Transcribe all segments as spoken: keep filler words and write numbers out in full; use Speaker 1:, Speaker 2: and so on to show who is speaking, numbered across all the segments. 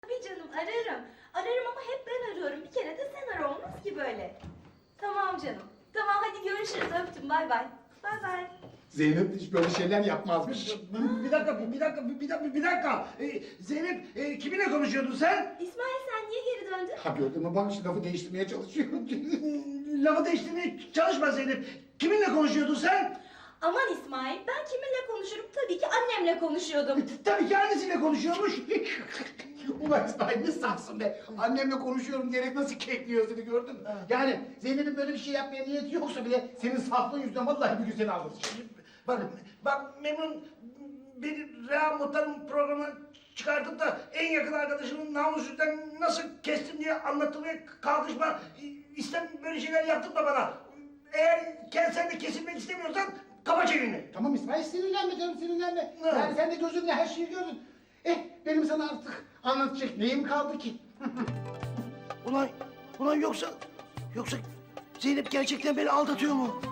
Speaker 1: Tabii canım ararım. Ararım ama hep ben arıyorum. Bir kere de sen ara, olmaz ki böyle. Tamam canım. Tamam hadi görüşürüz, öptüm, bay bay. Bay bay.
Speaker 2: Zeynep hiç böyle şeyler yapmazmış.
Speaker 3: Bir dakika, bir dakika, bir dakika, bir dakika. Ee, Zeynep, e, kiminle konuşuyordun sen?
Speaker 1: İsmail sen niye geri döndün?
Speaker 2: Ha gördün mü bak şu lafı değiştirmeye çalışıyor.
Speaker 3: Lafı değiştirmeye çalışma Zeynep. Kiminle konuşuyordun sen?
Speaker 1: Aman İsmail, ben kiminle konuşurum? Tabii ki annemle konuşuyordum.
Speaker 3: Tabii ki annesiyle konuşuyormuş.
Speaker 2: Ulan İsmail ne safsın be. Annemle konuşuyorum diyerek nasıl kekliyor seni gördün mü? Yani Zeynep'in böyle bir şey yapmaya niyeti yoksa bile senin saflığın yüzünden vallahi bir gün seni alırız.
Speaker 3: Bak, bak Memnun beni Reha Muhtar'ın programına çıkartıp da en yakın arkadaşımın namusundan nasıl kestim diye anlatmaya kalkışma. İstem böyle şeyler yaptırma bana. Eğer sen de kesilmek istemiyorsan kapa çeneni.
Speaker 2: Tamam İsmail sinirlenme canım sinirlenme.
Speaker 3: Ne?
Speaker 2: Yani sen de gözünle her şeyi gördün. Eh benim sana artık anlatacak neyim kaldı ki?
Speaker 3: Ulan, ulan yoksa, yoksa Zeynep gerçekten beni aldatıyor mu?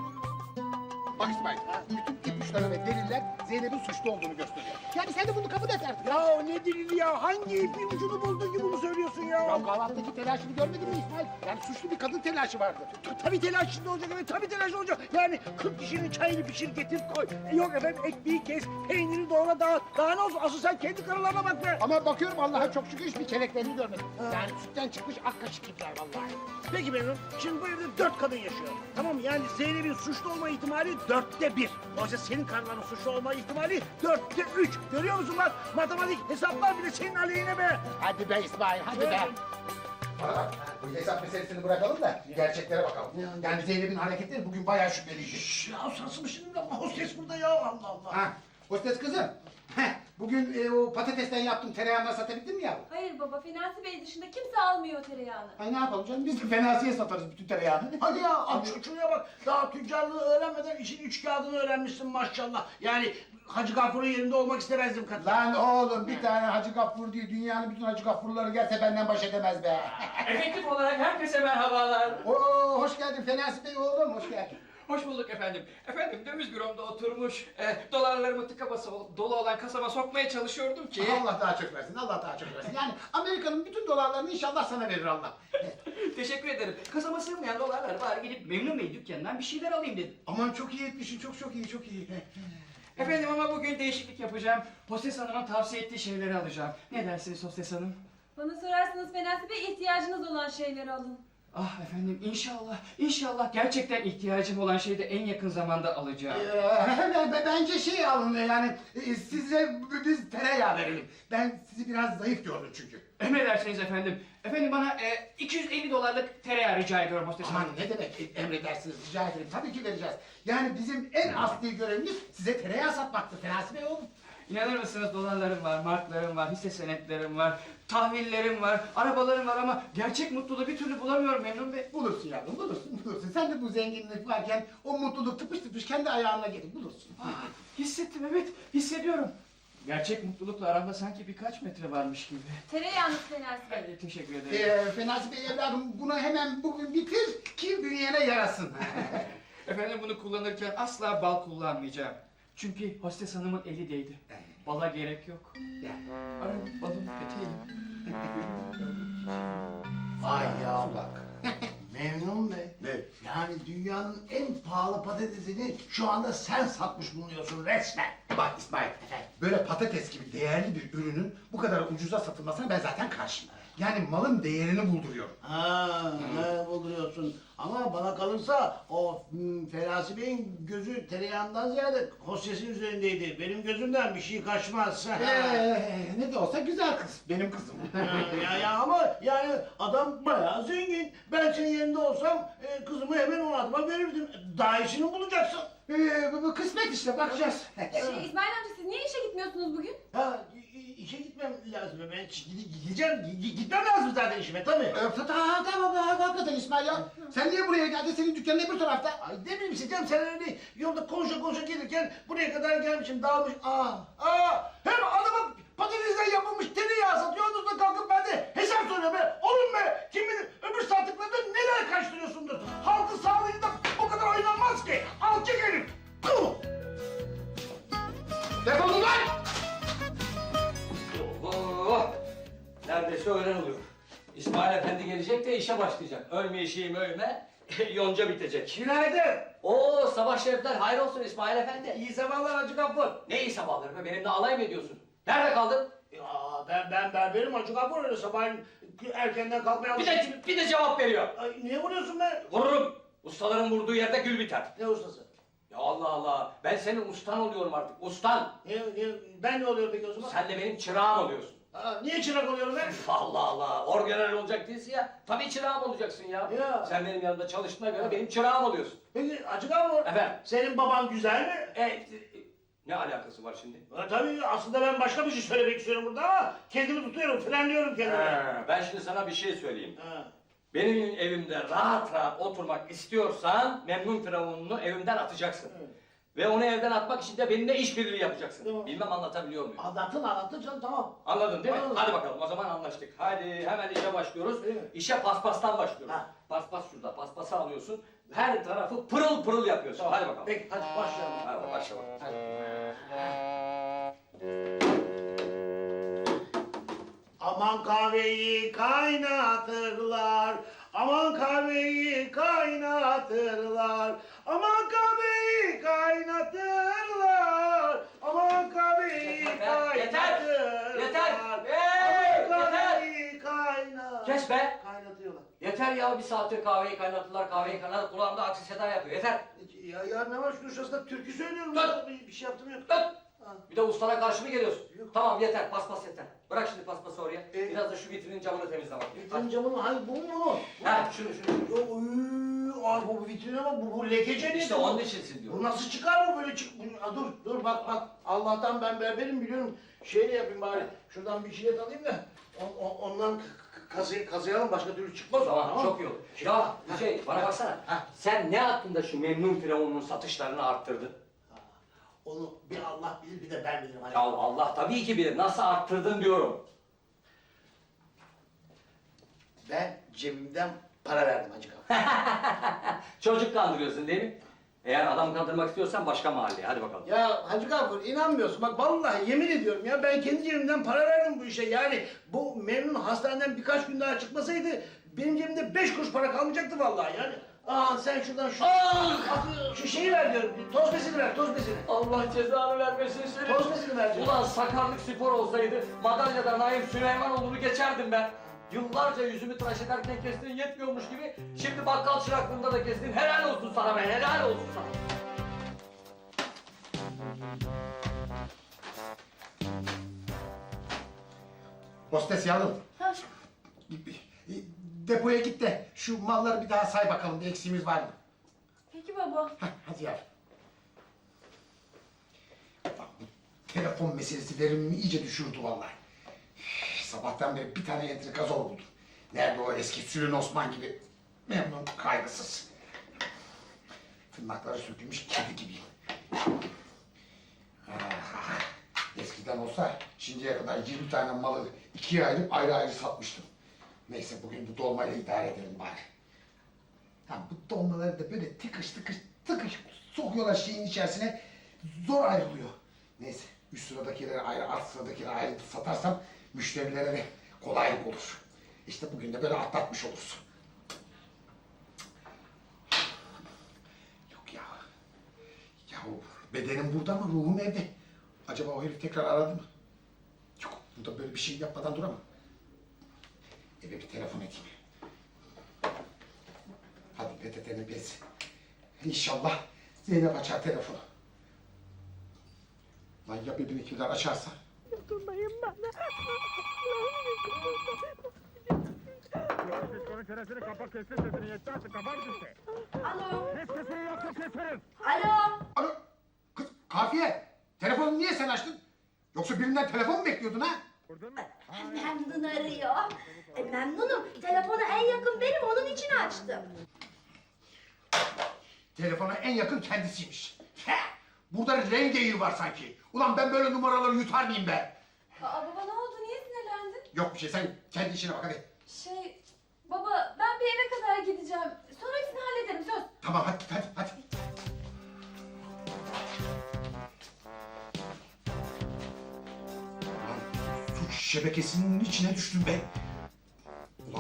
Speaker 2: Bak İsmail, bütün ipuçları ve deliller Zeynep'in suçlu olduğunu gösteriyor. Yani sen de bunu kabul et artık.
Speaker 3: Ya ne delili ya? Hangi ipin ucunu buldun ki bunu söylüyorsun ya?
Speaker 2: Ya kahvaltıdaki telaşını görmedin mi İsmail? Yani suçlu bir kadın telaşı vardı.
Speaker 3: Ta- Tabii telaş içinde olacak, evet tabii telaş olacak. Yani kırk kişinin çayını pişir getir koy. E, yok efendim ekmeği kes, peyniri doğra daha, daha ne olsun? Asıl sen kendi karılarına bak be.
Speaker 2: Ama bakıyorum Allah'a çok şükür hiçbir keleklerini görmedim. Yani sütten çıkmış ak kaşık gibiler vallahi.
Speaker 3: Peki Memnun, şimdi bu evde dört kadın yaşıyor. Tamam mı? Yani Zeynep'in suçlu olma ihtimali dörtte bir. Oysa senin karıların suçlu olma ihtimali dörtte üç. Görüyor musun lan? Matematik hesaplar bile senin aleyhine be.
Speaker 2: Hadi be İsmail, hadi be. Bana bak, bu hesap meselesini bırakalım da gerçeklere bakalım. Yani Zeynep'in hareketleri bugün bayağı şüpheliydi.
Speaker 3: Şşş ya sarsın şimdi hostes burada ya Allah Allah.
Speaker 2: Ha, hostes kızım. Heh, bugün e, o patatesten yaptığın tereyağını satabildin mi yavrum?
Speaker 4: Hayır baba, Finasi Bey dışında kimse almıyor tereyağını.
Speaker 2: Ay ne yapalım canım, biz de fenasiye satarız bütün tereyağını.
Speaker 3: Hadi ya aç şuraya bak. Daha tüccarlığı öğrenmeden işin üç kağıdını öğrenmişsin maşallah. Yani Hacı Gafur'un yerinde olmak istemezdim kadın.
Speaker 2: Lan oğlum bir tane Hacı Gaffur diye dünyanın bütün Hacı Gaffurları gelse benden baş edemez be.
Speaker 5: Efektif olarak herkese merhabalar.
Speaker 2: Oo hoş geldin Fenasi Bey oğlum, hoş geldin.
Speaker 5: Hoş bulduk efendim. Efendim döviz büromda oturmuş, e, dolarlarımı tıka basa dolu olan kasama sokmaya çalışıyordum ki...
Speaker 2: Allah daha çok versin, Allah daha çok versin. Yani Amerika'nın bütün dolarlarını inşallah sana verir Allah.
Speaker 5: Teşekkür ederim. Kasama sığmayan dolarlar var, gidip Memnun Bey dükkanından bir şeyler alayım dedim.
Speaker 2: Aman çok iyi etmişsin, çok çok iyi, çok iyi.
Speaker 5: Efendim ama bugün değişiklik yapacağım. Hostes Hanım'ın tavsiye ettiği şeyleri alacağım. Ne dersiniz Hostes Hanım?
Speaker 4: Bana sorarsanız Finasi Bey ihtiyacınız olan şeyleri alın.
Speaker 5: Ah efendim inşallah, inşallah gerçekten ihtiyacım olan şeyi de en yakın zamanda alacağım.
Speaker 2: Ee, bence şey alın yani e, size biz tereyağı verelim. Ben sizi biraz zayıf gördüm çünkü.
Speaker 5: Emredersiniz efendim. Efendim bana e, iki yüz elli dolarlık tereyağı rica ediyorum Hostes
Speaker 2: Aman
Speaker 5: Hanım.
Speaker 2: ne demek e, emredersiniz rica ederim. Tabii ki vereceğiz. Yani bizim en asli görevimiz size tereyağı satmaktır Fenasi Bey oğlum.
Speaker 5: İnanır mısınız dolarlarım var, marklarım var, hisse senetlerim var, tahvillerim var, arabalarım var ama gerçek mutluluğu bir türlü bulamıyorum Memnun Bey.
Speaker 2: Bulursun yavrum bulursun bulursun. Sen de bu zenginlik varken o mutluluk tıpış tıpış kendi ayağına gelir bulursun.
Speaker 5: Ah, hissettim evet, hissediyorum. Gerçek mutlulukla aramda sanki birkaç metre varmış gibi.
Speaker 4: Tereyağınız Finasi Bey.
Speaker 5: Ee, teşekkür ederim.
Speaker 2: Ee, Fenasi Bey evladım bunu hemen bugün bitir ki bünyene yarasın.
Speaker 5: Efendim bunu kullanırken asla bal kullanmayacağım. Çünkü hostes hanımın eli değdi. Bala gerek yok.
Speaker 2: Ya.
Speaker 5: Arayın balın peteği.
Speaker 3: Vay ya bak. Memnun Bey.
Speaker 2: Ne?
Speaker 3: Yani dünyanın en pahalı patatesini şu anda sen satmış bulunuyorsun resmen.
Speaker 2: Bak İsmail, böyle patates gibi değerli bir ürünün bu kadar ucuza satılmasına ben zaten karşıyım. Yani malın değerini bulduruyorum.
Speaker 3: Ha, ne bulduruyorsun? Ama bana kalırsa o hmm, Ferasi Bey'in gözü tereyağından ziyade hostesin üzerindeydi. Benim gözümden bir şey kaçmaz.
Speaker 2: Ee, ne de olsa güzel kız, benim kızım.
Speaker 3: Ha, ya, ya ama yani adam bayağı zengin. Ben senin yerinde olsam e, kızımı hemen o adama verirdim. Daha iyisini bulacaksın.
Speaker 2: Ee, bu, bu kısmet işte, bakacağız.
Speaker 4: Şey, İsmail amca siz niye işe gitmiyorsunuz bugün?
Speaker 3: Ha, i- i- işe gitmem lazım. Ben gide- gideceğim. Gi- Gitmem lazım zaten işime tabii.
Speaker 2: Ee, ta- ta- tamam, ha- hakikaten İsmail ya. Sen niye buraya geldin? Senin dükkanın öbür tarafta.
Speaker 3: Ay ne bileyim Sicem sen öyle yolda konuşa konuşa gelirken buraya kadar gelmişim dağılmış. Aa, aa, hem adamın patatesten yapılmış tereyağı satıyor. Ondan sonra kalkıp ben de hesap soruyor be. Oğlum be kim bilir öbür sattıklarında neler kaçtırıyorsundur. Halkın sağlığıyla o kadar oynanmaz ki. Alçak herif. Puh!
Speaker 2: Defolun lan!
Speaker 6: Oh, neredeyse Neyse öğlen oluyor. İsmail Efendi gelecek de işe başlayacak. Ölme işim ölme, yonca bitecek.
Speaker 3: Günaydın.
Speaker 6: Oo sabah şerifler hayır olsun İsmail Efendi.
Speaker 3: İyi sabahlar Hacı Gafur.
Speaker 6: Ne iyi sabahları be, benimle alay mı ediyorsun? Nerede kaldın?
Speaker 3: Ya ben ben berberim Hacı Gafur, öyle sabahleyin erkenden kalkmaya
Speaker 6: Bir de, bir de cevap veriyor.
Speaker 3: Ay, niye vuruyorsun be?
Speaker 6: Vururum. Ustaların vurduğu yerde gül biter.
Speaker 3: Ne ustası?
Speaker 6: Ya Allah Allah, ben senin ustan oluyorum artık, ustan.
Speaker 3: Niye, niye, ben ne oluyorum peki o zaman?
Speaker 6: Sen de benim çırağım oluyorsun.
Speaker 3: Aa, niye çırak oluyorum ben?
Speaker 6: Allah Allah, orgeneral olacak değilsin ya. Tabii çırağım olacaksın ya.
Speaker 3: Ya.
Speaker 6: Sen benim yanımda çalıştığına göre benim çırağım oluyorsun.
Speaker 3: Peki Hacı Gafur,
Speaker 6: Efendim?
Speaker 3: senin baban güzel mi?
Speaker 6: E, e, ne alakası var şimdi?
Speaker 3: Ha, tabii aslında ben başka bir şey söylemek istiyorum burada ama kendimi tutuyorum, frenliyorum kendimi.
Speaker 6: He, ben şimdi sana bir şey söyleyeyim.
Speaker 3: Ha.
Speaker 6: Benim evimde rahat rahat oturmak istiyorsan memnun firavununu evimden atacaksın.
Speaker 3: Evet.
Speaker 6: Ve onu evden atmak için de benimle işbirliği yapacaksın.
Speaker 3: Tamam.
Speaker 6: Bilmem anlatabiliyor muyum?
Speaker 3: Anlattın anlattın canım, tamam.
Speaker 6: Anladın değil mi?
Speaker 3: Anladım.
Speaker 6: Hadi bakalım o zaman anlaştık. Hadi hemen işe başlıyoruz.
Speaker 3: Değil mi?
Speaker 6: İşe paspastan başlıyoruz.
Speaker 3: Ha.
Speaker 6: Paspas şurada, paspası alıyorsun. Her tarafı pırıl pırıl yapıyorsun.
Speaker 3: Tamam.
Speaker 6: Hadi bakalım.
Speaker 3: Peki hadi başlayalım.
Speaker 6: Hadi başla bakalım. Hadi.
Speaker 3: Aman kahveyi kaynatırlar, aman kahveyi kaynatırlar, aman kahveyi kaynatırlar, aman kahveyi
Speaker 6: Yeter,
Speaker 3: kaynatırlar.
Speaker 6: yeter, hey,
Speaker 3: aman
Speaker 6: yeter.
Speaker 3: kahveyi kaynat.
Speaker 6: Kes be!
Speaker 3: Kaynatıyorlar.
Speaker 6: Yeter ya, bir saattir kahveyi kaynattılar, kahveyi kaynattılar. Kulağımda aksi seda yapıyor. Yeter.
Speaker 3: Ya, ya ne var şunun şurasında türkü söylüyorum.
Speaker 6: Dur.
Speaker 3: Ya, Bir, bir şey yaptım yok.
Speaker 6: Dur!
Speaker 3: Ha.
Speaker 6: Bir de ustana karşı mı geliyorsun?
Speaker 3: Yok.
Speaker 6: Tamam yeter, paspas yeter. Bırak şimdi paspası oraya.
Speaker 3: E?
Speaker 6: Biraz da şu vitrinin camını temizle bakayım.
Speaker 3: Vitrin camını hangi bu mu?
Speaker 6: Ha, şunu şunu. şunu.
Speaker 3: Yo, uy, ay bu vitrine bak, bu, bu lekece
Speaker 6: İşte
Speaker 3: bu?
Speaker 6: onun içinsin
Speaker 3: Bu
Speaker 6: diyorum.
Speaker 3: nasıl çıkar bu böyle çık? Bu, Aa, dur dur bak bak. Allah'tan ben berberim biliyorum. Şeyle yapayım bari. Şuradan bir jilet alayım da on, on, ondan k- k- kazı, kazıyalım, başka türlü çıkmaz. o,
Speaker 6: Tamam, çok iyi oldu. Ya şey, bana baksana.
Speaker 3: Ha.
Speaker 6: Sen ne hakkında şu memnun firavunun satışlarını arttırdın?
Speaker 3: Onu bir Allah bilir, bir de ben bilirim. Hani.
Speaker 6: Ya Allah tabii ki bilir. Nasıl arttırdın diyorum.
Speaker 3: Ben cebimden para verdim Hacı Kapı.
Speaker 6: Çocuk kandırıyorsun değil mi? Eğer adam kandırmak istiyorsan başka mahalleye. Hadi bakalım.
Speaker 3: Ya Hacı Gafur, inanmıyorsun. Bak vallahi yemin ediyorum ya, ben kendi cebimden para verdim bu işe. Yani bu Memnun hastaneden birkaç gün daha çıkmasaydı benim cebimde beş kuruş para kalmayacaktı vallahi yani. Aa sen şuradan şu,
Speaker 6: Ah!
Speaker 3: şu şeyi ver diyorum. Toz besini ver, toz besini.
Speaker 6: Allah cezanı vermesin seni.
Speaker 3: Toz besini ver diyorum.
Speaker 6: Ulan sakarlık spor olsaydı madalyada Naim Süleymanoğlu'nu geçerdim ben. Yıllarca yüzümü tıraş ederken kestiğin yetmiyormuş gibi şimdi bakkal çıraklığında da kestin. Helal olsun sana be, helal olsun sana.
Speaker 2: Hostes yavrum.
Speaker 1: Ha,
Speaker 2: Depoya git de şu malları bir daha say bakalım, bir eksiğimiz var mı?
Speaker 1: peki baba.
Speaker 2: Hah, hadi yavrum. Bak, bu telefon meselesi verimimi iyice düşürdü vallahi. Sabahtan beri bir tane entrikazor buldum. Nerede o eski Sülün Osman gibi memnun, kaygısız. Tırnakları sökülmüş kedi gibiyim. Ah, eskiden olsa şimdiye kadar yirmi tane malı ikiye ayırıp ayrı ayrı satmıştım. Neyse bugün bu dolmayla idare edelim bari. Ha, bu dolmaları da böyle tıkış tıkış tıkış sokuyorlar şeyin içerisine, zor ayrılıyor. Neyse üst sıradakileri ayrı, alt sıradakileri ayrı satarsam müşterilere de kolaylık olur. İşte bugün de böyle atlatmış oluruz. Yok ya. Yahu bedenim burada ama ruhum evde. Acaba o herif tekrar aradı mı? Yok, burada böyle bir şey yapmadan duramam. Eve bir telefon edeyim. Hadi P T T'nin bezi. İnşallah Zeynep açar telefonu. Lan ya bebeğinkiler açarsa?
Speaker 7: Dokunmayın bana.
Speaker 8: Onun çenesini kapat, kessin sesini, yetti artık, kapat işte.
Speaker 1: Alo.
Speaker 8: Kes sesini, yoksa keserim.
Speaker 1: Alo.
Speaker 2: Alo, kız Kafiye, telefonu niye sen açtın? Yoksa birinden telefon mu bekliyordun ha?
Speaker 8: Vurdun mu?
Speaker 1: Memnun arıyor. E, memnunum. Telefona en yakın benim, onun için açtım.
Speaker 2: Telefona en yakın kendisiymiş. Heh, burada rengeyi var sanki. Ulan ben böyle numaraları yutar mıyım be?
Speaker 4: Aa baba ne oldu? Niye sinirlendin?
Speaker 2: Yok bir şey, sen kendi işine bak hadi.
Speaker 4: Şey, baba ben bir eve kadar gideceğim. Sonra hepsini hallederim söz.
Speaker 2: Tamam hadi hadi hadi. Ulan suç şebekesinin içine düştüm be.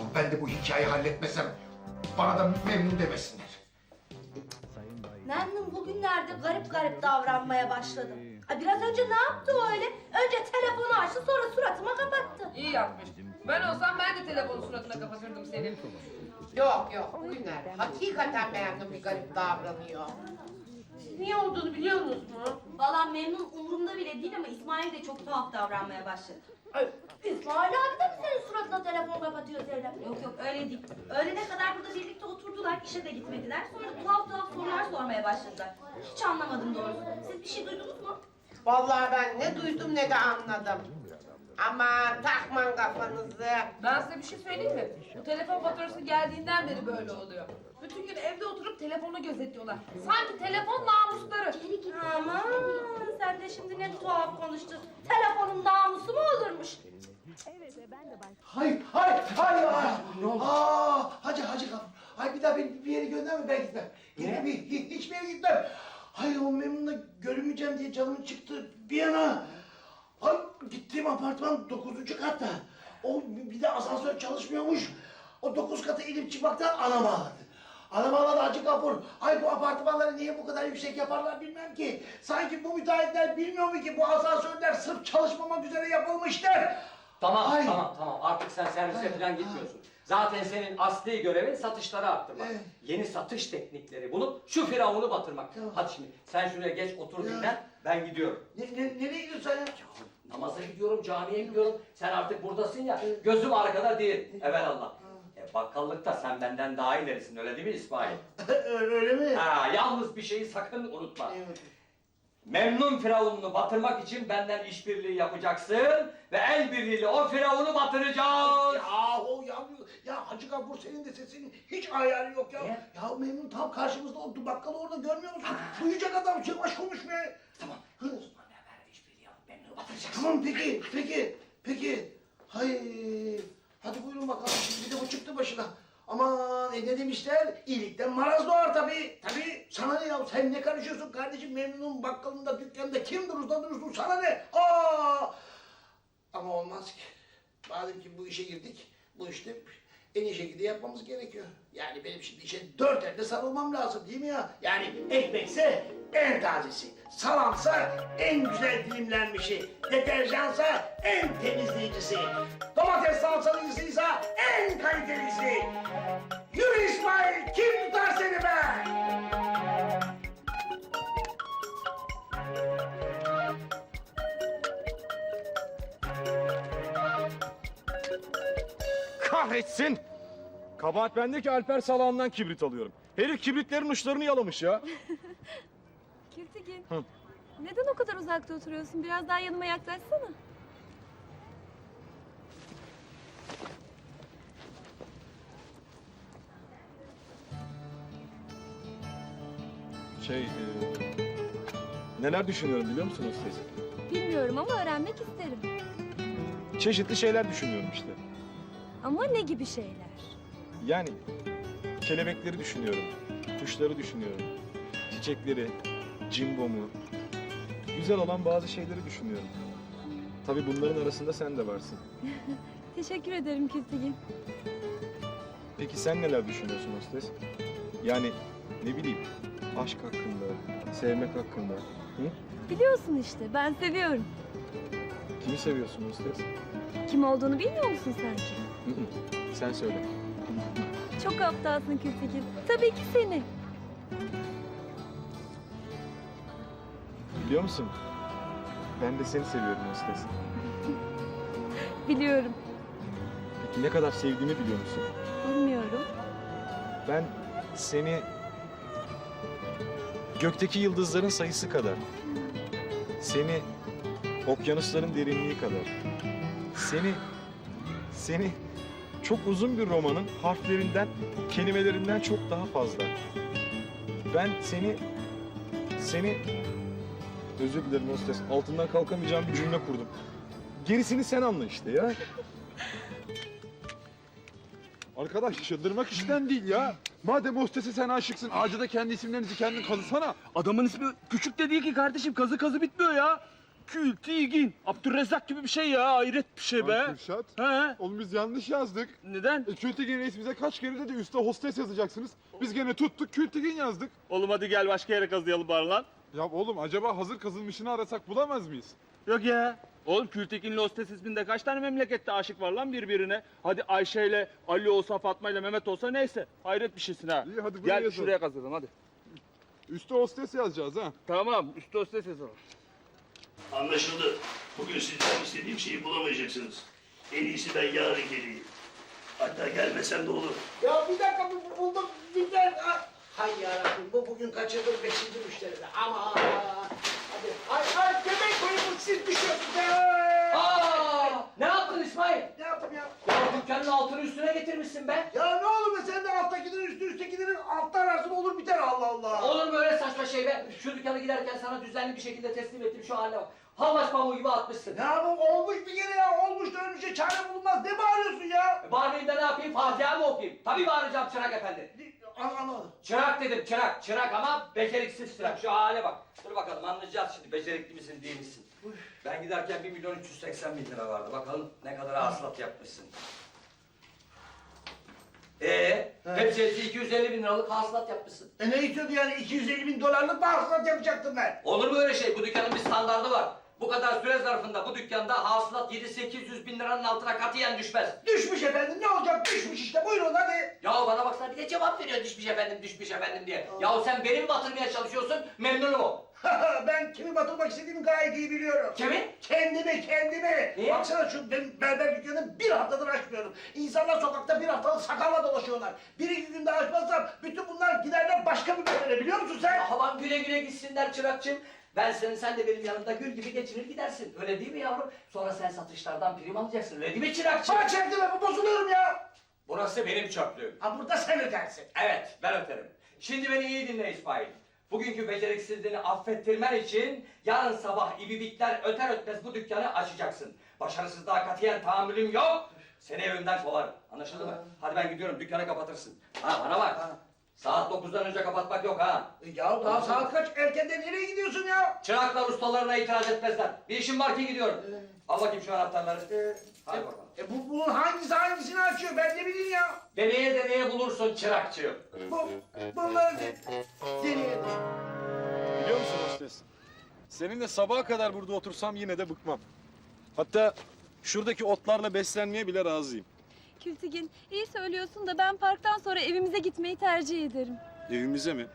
Speaker 2: ben de bu hikayeyi halletmesem bana da memnun demesinler.
Speaker 1: Memnun bugünlerde garip garip davranmaya başladı. Ay biraz önce ne yaptı o öyle? Önce telefonu açtı sonra suratıma kapattı.
Speaker 7: İyi yapmış. Ben olsam ben de telefonu suratına kapatırdım senin.
Speaker 9: Yok yok bugünlerde hakikaten memnun bir garip davranıyor. Siz niye olduğunu biliyor musunuz mu?
Speaker 1: Vallahi memnun umurumda bile değil ama İsmail de çok tuhaf davranmaya başladı.
Speaker 9: Ay,
Speaker 1: İsmail abi de mi senin suratına telefon kapatıyor Zeynep? Yok yok öyle değil. Öğlene kadar burada birlikte oturdular, işe de gitmediler. Sonra tuhaf tuhaf sorular sormaya başladılar. Hiç anlamadım doğrusu. Siz bir şey duydunuz mu?
Speaker 9: vallahi ben ne duydum ne de anladım. Aman takman kafanızı.
Speaker 7: Ben size bir şey söyleyeyim mi? Bu telefon faturası geldiğinden beri böyle oluyor. Bütün gün evde oturup telefonu gözetliyorlar. Sanki telefon namusları.
Speaker 1: Aman sen de şimdi ne tuhaf konuştun. Telefonun namusu mu olurmuş?
Speaker 3: Hay hay hay hay. Ne oldu? Aa, hacı hacı kapı. Hay bir daha beni bir yere gönderme ben gitmem. Niye? Bir, hiç, hiçbir yere gitmem. Hay o Memnun'la görünmeyeceğim diye canım çıktı bir yana. Hay gittiğim apartman dokuzuncu katta. O bir de asansör çalışmıyormuş. O dokuz katı inip çıkmaktan anam ağladı. Anam ağladı Hacı Gafur. Ay bu apartmanları niye bu kadar yüksek yaparlar bilmem ki. Sanki bu müteahhitler bilmiyor mu ki bu asansörler sırf çalışmamak üzere yapılmışlar.
Speaker 6: Tamam
Speaker 3: Ay.
Speaker 6: tamam tamam artık sen servise falan gitmiyorsun. Zaten senin asli görevin satışları arttırmak.
Speaker 3: Evet.
Speaker 6: Yeni satış teknikleri bulup şu firavunu batırmak.
Speaker 3: Tamam.
Speaker 6: Hadi şimdi sen şuraya geç otur
Speaker 3: Ya.
Speaker 6: dinlen ben gidiyorum.
Speaker 3: Ne, ne, nereye gidiyorsun sen ya?
Speaker 6: Namaza gidiyorum, camiye gidiyorum. Sen artık buradasın ya, gözüm arkada değil. Evelallah. E, bakkallıkta sen benden daha ilerisin, öyle değil mi İsmail?
Speaker 3: Öyle mi?
Speaker 6: Ha, yalnız bir şeyi sakın unutma.
Speaker 3: Evet.
Speaker 6: Memnun firavununu batırmak için benden işbirliği yapacaksın ve el birliğiyle o firavunu batıracağız.
Speaker 3: Ya o ya, ya Hacı Gafur senin de sesinin hiç ayarı yok ya.
Speaker 6: Ne?
Speaker 3: Ya Memnun tam karşımızda o bakkalı orada görmüyor musun? Duyacak adam yavaş konuş be.
Speaker 6: Tamam.
Speaker 3: Hı.
Speaker 6: Osman Ömer işbirliği yapıp Memnun'u batıracaksın.
Speaker 3: Tamam peki peki peki. Hay hadi buyurun bakalım bir de bu çıktı başına. Aman e ne demişler? İyilikten maraz doğar tabii. Tabii sana ne ya sen ne karışıyorsun kardeşim Memnun'un bakkalında dükkanında kim durursa durursun sana ne? Aa! Ama olmaz ki. Madem ki bu işe girdik, bu işte en iyi şekilde yapmamız gerekiyor. Yani benim şimdi işe dört elde sarılmam lazım değil mi ya? Yani ekmekse en tazesi, salamsa en güzel dilimlenmişi, deterjansa en temizleyicisi, domates salçalıyısıysa en kalitelisi. Yürü İsmail, kim tutar seni be?
Speaker 8: Kahretsin! Kabahat bende ki Alper salağından kibrit alıyorum. Herif kibritlerin uçlarını yalamış ya.
Speaker 4: Kültigin.
Speaker 8: Hı.
Speaker 4: Neden o kadar uzakta oturuyorsun? Biraz daha yanıma yaklaşsana.
Speaker 8: Şey, e, neler düşünüyorum biliyor musun Hostes?
Speaker 4: Bilmiyorum ama öğrenmek isterim.
Speaker 8: Çeşitli şeyler düşünüyorum işte.
Speaker 4: Ama ne gibi şeyler?
Speaker 8: Yani kelebekleri düşünüyorum, kuşları düşünüyorum, çiçekleri, cimbomu, güzel olan bazı şeyleri düşünüyorum. Tabii bunların arasında sen de varsın.
Speaker 4: Teşekkür ederim Kültigin.
Speaker 8: Peki sen neler düşünüyorsun Hostes? Yani ne bileyim, aşk hakkında, sevmek hakkında. Hı?
Speaker 4: Biliyorsun işte ben seviyorum.
Speaker 8: Kimi seviyorsun Hostes?
Speaker 4: Kim olduğunu bilmiyor musun sanki?
Speaker 8: Hı hı. Sen söyle.
Speaker 4: Çok aptalsın Kültigin. Tabii ki seni.
Speaker 8: Biliyor musun? Ben de seni seviyorum Hostes.
Speaker 4: Biliyorum.
Speaker 8: Peki ne kadar sevdiğimi biliyor musun?
Speaker 4: Bilmiyorum.
Speaker 8: Ben seni gökteki yıldızların sayısı kadar, seni okyanusların derinliği kadar, seni seni çok uzun bir romanın harflerinden, kelimelerinden çok daha fazla. Ben seni seni özür dilerim hostes. Altından kalkamayacağım bir cümle kurdum. Gerisini sen anla işte ya.
Speaker 10: Arkadaş çıldırmak işten değil ya. Madem hostese sen aşıksın, ağaca da kendi isimlerinizi kendin kazısana.
Speaker 5: Adamın ismi küçük de değil ki kardeşim. Kazı kazı bitmiyor ya.
Speaker 10: Kültigin. Abdurrezzak gibi bir şey ya. Hayret bir şey be.
Speaker 8: Lan Kürşat.
Speaker 10: He?
Speaker 8: Oğlum biz yanlış yazdık.
Speaker 10: Neden?
Speaker 8: E, Kültigin reis bize kaç kere dedi üstte hostes yazacaksınız. Biz gene tuttuk Kültigin yazdık.
Speaker 10: Oğlum hadi gel başka yere kazıyalım bari lan.
Speaker 8: Ya oğlum acaba hazır kazılmışını arasak bulamaz mıyız?
Speaker 10: Yok ya. Oğlum Kültekin'le hostes isminde kaç tane memlekette aşık var lan birbirine? Hadi Ayşe ile Ali olsa, Fatma ile Mehmet olsa neyse. Hayret bir şeysin ha.
Speaker 8: İyi, hadi buraya
Speaker 10: Gel
Speaker 8: yazalım.
Speaker 10: şuraya kazıyalım hadi.
Speaker 8: Üstte hostes yazacağız ha.
Speaker 10: Tamam üstü hostes yazalım.
Speaker 11: Anlaşıldı. Bugün sizden istediğim şeyi bulamayacaksınız. En iyisi ben yarın geleyim. Hatta gelmesem de olur.
Speaker 3: Ya bir dakika bu- bu- buldum bir dakika. Hay yarabbim bu bugün kaçırdım beşinci müşteride. Ama hadi. Ay ay demek koyun siz düşüyorsunuz. Ay.
Speaker 6: Aa! Ne yaptın İsmail?
Speaker 3: Ne yaptım ya?
Speaker 6: Ya dükkanın altını üstüne getirmişsin be.
Speaker 3: Ya ne olur be sen de alttakilerin üstü üsttekilerin altta ararsın olur biter Allah Allah.
Speaker 6: Olur mu öyle saçma şey be? Şu dükkana giderken sana düzenli bir şekilde teslim ettim şu haline bak. Havaş pamuğu gibi atmışsın.
Speaker 3: Ya bu olmuş bir kere ya olmuş da ölmüşe çare bulunmaz. Ne bağırıyorsun ya?
Speaker 6: E, Bağırmayayım da ne yapayım? Fatiha mı okuyayım? Tabii bağıracağım çırak efendi.
Speaker 3: An anlamadım.
Speaker 6: Çırak dedim çırak. Çırak ama beceriksiz çırak. Şu hale bak. Dur bakalım anlayacağız şimdi becerikli misin değil misin? Ben giderken bir milyon üç yüz seksen bin lira vardı. Bakalım ne kadar hasılat yapmışsın. Ee, hepsi hepsi iki yüz elli bin liralık hasılat yapmışsın.
Speaker 3: E ne istiyordu yani iki yüz elli bin dolarlık bağışlat yapacaktım ben.
Speaker 6: Olur mu öyle şey? Bu dükkanın bir standardı var. Bu kadar süre zarfında bu dükkanda hasılat yedi sekiz yüz bin liranın altına katiyen düşmez.
Speaker 3: Düşmüş efendim ne olacak düşmüş işte buyurun hadi.
Speaker 6: Ya bana baksana bir de cevap veriyor düşmüş efendim düşmüş efendim diye. Ya sen beni mi batırmaya çalışıyorsun? Memnunum o.
Speaker 3: Ben kimi batırmak istediğimi gayet iyi biliyorum.
Speaker 6: Kimi?
Speaker 3: Kendimi, kendimi.
Speaker 6: Niye?
Speaker 3: Baksana şu benim berber dükkanını bir haftadır açmıyorum. İnsanlar sokakta bir haftalık sakalla dolaşıyorlar. Bir iki günde açmazsam bütün bunlar giderler başka bir berbere biliyor musun sen?
Speaker 6: Havan güle güle gitsinler çırakçım. Ben senin, sen de benim yanımda gül gibi geçinir gidersin. Öyle değil mi yavrum? Sonra sen satışlardan prim alacaksın. Öyle değil mi çırakçım?
Speaker 3: Bana çektirme bozuluyorum ya.
Speaker 6: Burası benim çöplüğüm.
Speaker 3: Ha burada sen ödersin.
Speaker 6: Evet, ben öterim. Şimdi beni iyi dinle İsmail. Bugünkü beceriksizliğini affettirmen için yarın sabah ibibikler öter ötmez bu dükkanı açacaksın. Başarısızlığa katiyen tahammülüm yok. Seni evimden kovarım. Anlaşıldı mı? Hadi ben gidiyorum, dükkanı kapatırsın. Ha bana bak. Saat dokuzdan önce kapatmak yok ha.
Speaker 3: E Ya daha saat kaç? Erkenden nereye gidiyorsun ya?
Speaker 6: Çıraklar ustalarına itiraz etmezler. Bir işim var ki gidiyorum. Al bakayım şu anahtarları.
Speaker 3: E,
Speaker 6: Hadi bakalım.
Speaker 3: E bu, bunun hangisi hangisini açıyor ben ne bileyim ya.
Speaker 6: Deneye deneye bulursun çırakçığım.
Speaker 3: Bu, bunları deneyelim.
Speaker 8: Biliyor musun hostes? Seninle sabaha kadar burada otursam yine de bıkmam. Hatta şuradaki otlarla beslenmeye bile razıyım.
Speaker 4: Kültigin, iyi söylüyorsun da ben parktan sonra evimize gitmeyi tercih ederim.
Speaker 8: Evimize mi?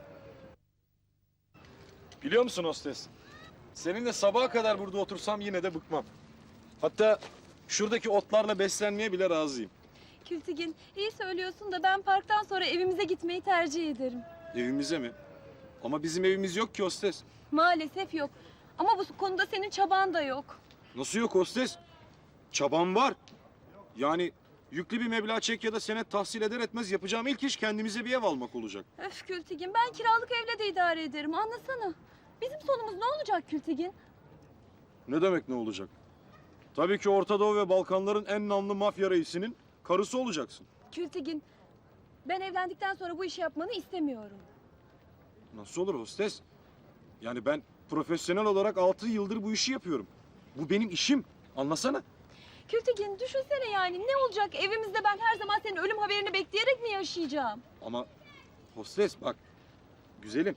Speaker 8: Biliyor musun hostes? Seninle sabaha kadar burada otursam yine de bıkmam. Hatta şuradaki otlarla beslenmeye bile razıyım.
Speaker 4: Kültigin, iyi söylüyorsun da ben parktan sonra evimize gitmeyi tercih ederim.
Speaker 8: Evimize mi? Ama bizim evimiz yok ki hostes.
Speaker 4: Maalesef yok. Ama bu konuda senin çaban da yok.
Speaker 8: Nasıl yok hostes? Çabam var. Yani yüklü bir meblağ çek ya da senet tahsil eder etmez yapacağım ilk iş kendimize bir ev almak olacak.
Speaker 4: Öf Kültigin, ben kiralık evle de idare ederim. Anlasana. Bizim sonumuz ne olacak Kültigin?
Speaker 8: Ne demek ne olacak? Tabii ki Orta Doğu ve Balkanların en namlı mafya reisinin karısı olacaksın.
Speaker 4: Kültigin, ben evlendikten sonra bu işi yapmanı istemiyorum.
Speaker 8: Nasıl olur hostes? Yani ben profesyonel olarak altı yıldır bu işi yapıyorum. Bu benim işim. Anlasana.
Speaker 4: Kültigin, düşünsene yani ne olacak evimizde ben her zaman senin ölüm haberini bekleyerek mi yaşayacağım?
Speaker 8: Ama hostes bak, güzelim.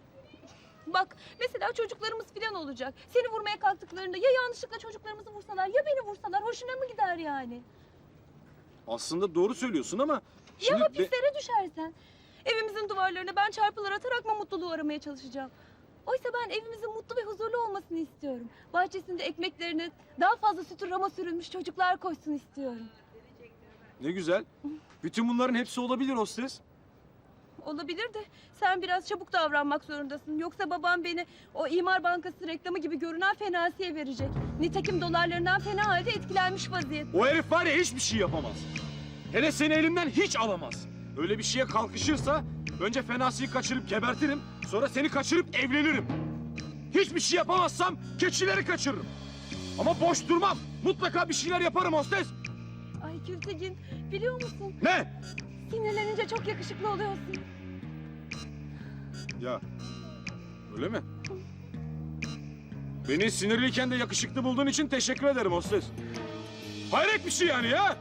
Speaker 4: Bak mesela çocuklarımız falan olacak. Seni vurmaya kalktıklarında ya yanlışlıkla çocuklarımızı vursalar ya beni vursalar hoşuna mı gider yani?
Speaker 8: Aslında doğru söylüyorsun ama...
Speaker 4: Ya
Speaker 8: Şimdi be-
Speaker 4: hapislere düşersen? Evimizin duvarlarına ben çarpılar atarak mı mutluluğu aramaya çalışacağım? Oysa ben evimizin mutlu ve huzurlu olmasını istiyorum. Bahçesinde ekmeklerine daha fazla sütü rama sürülmüş çocuklar koşsun istiyorum.
Speaker 8: Ne güzel. Bütün bunların hepsi olabilir hostes.
Speaker 4: Olabilir de sen biraz çabuk davranmak zorundasın. Yoksa babam beni o imar bankası reklamı gibi görünen fenasiye verecek. Nitekim dolarlarından fena halde etkilenmiş vaziyette.
Speaker 8: O herif var ya hiçbir şey yapamaz. Hele seni elimden hiç alamaz. Öyle bir şeye kalkışırsa önce fenasıyı kaçırıp gebertirim. Sonra seni kaçırıp evlenirim. Hiçbir şey yapamazsam keçileri kaçırırım. Ama boş durmam. Mutlaka bir şeyler yaparım hostes.
Speaker 4: Ay Kültigin biliyor musun?
Speaker 8: Ne?
Speaker 4: Sinirlenince çok yakışıklı oluyorsun.
Speaker 8: Ya öyle mi?
Speaker 10: Beni sinirliyken de yakışıklı bulduğun için teşekkür ederim hostes. Hayret bir şey yani ya.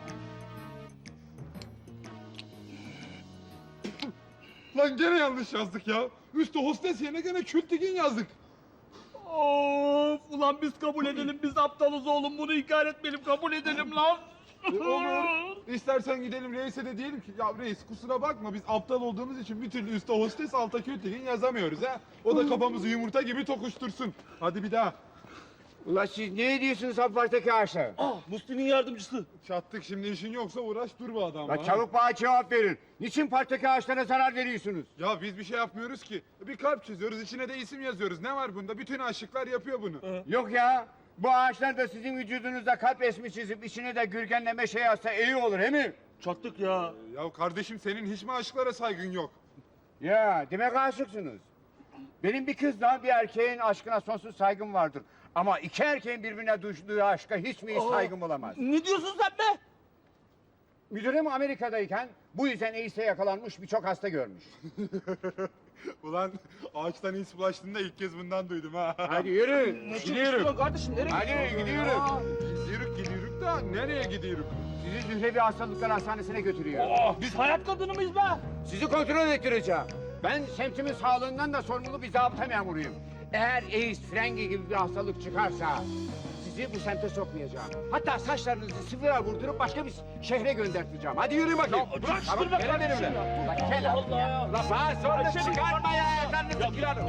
Speaker 8: Lan gene yanlış yazdık ya. Üstü hostes yerine gene Kültigin yazdık.
Speaker 10: Of ulan biz kabul edelim, biz aptalız oğlum, bunu inkar etmeyelim, kabul edelim lan.
Speaker 8: E, olur. İstersen gidelim reise de diyelim ki ya reis kusura bakma biz aptal olduğumuz için bir türlü üstte hostes alta Kültigin yazamıyoruz ha. O da kafamızı yumurta gibi tokuştursun. Hadi bir daha.
Speaker 3: Ulan siz ne ediyorsunuz aparttaki ağaçlar?
Speaker 10: Ah, Musti'nin yardımcısı.
Speaker 8: Çattık şimdi işin yoksa uğraş dur bu adamla.
Speaker 3: La çabuk bana cevap verin. Niçin parktaki ağaçlara zarar veriyorsunuz?
Speaker 8: Ya biz bir şey yapmıyoruz ki. Bir kalp çiziyoruz, içine de isim yazıyoruz. Ne var bunda? Bütün aşıklar yapıyor bunu.
Speaker 3: Yok ya. Bu ağaçlar da sizin vücudunuzda kalp resmi çizip içine de gürgenleme şey yazsa iyi olur he mi?
Speaker 10: Çattık ya.
Speaker 8: Ya kardeşim senin hiç mi aşıklara saygın yok?
Speaker 3: Ya demek aşıksınız. Benim bir kızla bir erkeğin aşkına sonsuz saygım vardır. Ama iki erkeğin birbirine duyduğu aşka hiç mi hiç saygım olamaz?
Speaker 10: Ne diyorsun sen be?
Speaker 3: Müdürüm Amerika'dayken bu yüzden AIDS'e yakalanmış birçok hasta görmüş.
Speaker 8: Ulan ağaçtan iz bulaştığında ilk kez bundan duydum ha.
Speaker 3: Hadi yürü,
Speaker 10: Ne
Speaker 3: gidiyorum.
Speaker 10: çalışıyorsun kardeşim, nereye
Speaker 3: Hadi gidiyorum.
Speaker 8: Gidiyoruz gidiyoruz da nereye gidiyoruz?
Speaker 3: Sizi Zührevi Hastalıklar Hastanesi'ne götürüyor.
Speaker 10: Oh, biz hayat kadını mıyız be?
Speaker 3: Sizi kontrol ettireceğim. Ben semtimin sağlığından da sorumlu bir zabıta memuruyum. Eğer AIDS, frengi gibi bir hastalık çıkarsa sizi bu semte sokmayacağım. Hatta saçlarınızı sıfıra vurdurup başka bir şehre gönderteceğim. Hadi yürüyün bakayım.
Speaker 10: Ya bırak şunu be
Speaker 3: gelin
Speaker 10: kardeşim
Speaker 3: benimle.
Speaker 10: ya.
Speaker 3: Bak gel
Speaker 10: Allah
Speaker 3: abi
Speaker 10: Allah
Speaker 3: ya.
Speaker 10: ya.
Speaker 3: La bana sonra
Speaker 10: Ayşe,
Speaker 3: çıkartma ya. Ayaklarını
Speaker 10: Ya,
Speaker 3: sıkıyorum.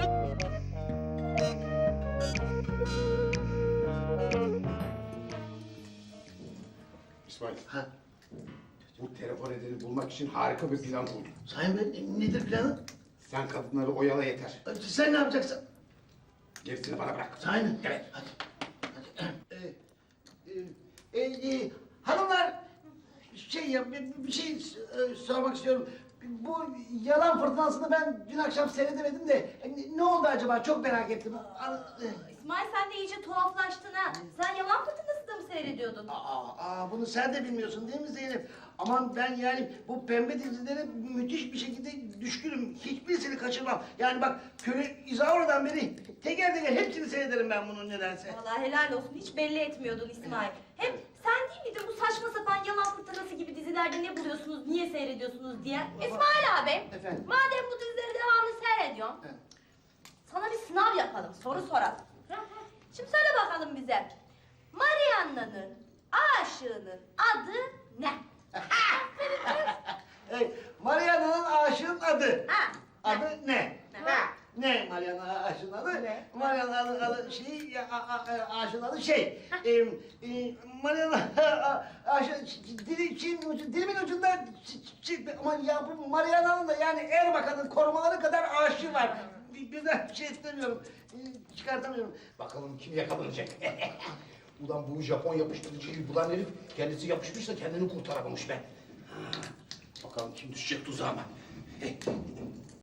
Speaker 2: İsmail. Ha? Bu telefon edeni bulmak için harika bir plan buldum.
Speaker 3: Sayın Bey nedir planı?
Speaker 2: Sen kadınları oyala yeter.
Speaker 3: Sen ne yapacaksın?
Speaker 2: Gerisini bana bırak.
Speaker 3: Sayın.
Speaker 2: Evet.
Speaker 3: Hadi. Hadi. Ee, e, e, hanımlar şey ya bir, bir şey e, sormak istiyorum. Bu yalan fırtınasını ben dün akşam seyredemedim de e, ne oldu acaba çok merak ettim. An- e,
Speaker 1: İsmail sen de iyice tuhaflaştın ha. Sen yalan fırtınası da mı seyrediyordun?
Speaker 3: Aa, aa, bunu sen de bilmiyorsun değil mi Zeynep? Aman ben yani bu pembe dizilere müthiş bir şekilde düşkünüm. Hiçbirisini kaçırmam. Yani bak Köle İzaura'dan beri teker teker hepsini seyrederim ben bunun nedense.
Speaker 1: Vallahi helal olsun. Hiç belli etmiyordun İsmail. Hem sen değil miydin bu saçma sapan yalan fırtınası gibi dizilerde ne buluyorsunuz, niye seyrediyorsunuz diye? İsmail abi,
Speaker 3: Efendim?
Speaker 1: madem bu dizileri devamlı seyrediyorsun,
Speaker 3: Evet.
Speaker 1: sana bir sınav yapalım, soru soralım. Şimdi söyle bakalım bize. Marianna'nın aşığının adı ne?
Speaker 3: Hey, Mariana'nın aşığın adı.
Speaker 1: Ha,
Speaker 3: Adı ne?
Speaker 1: Ne?
Speaker 3: Ne Mariana aşığın adı?
Speaker 1: Ne?
Speaker 3: Mariana'nın adı şey, ya, a, a, a, aşığın adı şey. e, e, Mariana aşığı, dili, Çin, ucu- dilimin ucunda ç- ç- ama ya bu Mariana'nın da yani Erbakan'ın korumaları kadar aşığı var. Bir, birden bir şey istemiyorum. E, çıkartamıyorum.
Speaker 2: Bakalım kim yakalanacak. Ulan bu Japon yapıştırıcıyı bulan herif kendisi yapışmış da kendini kurtaramamış be. Ha, bakalım kim düşecek tuzağıma.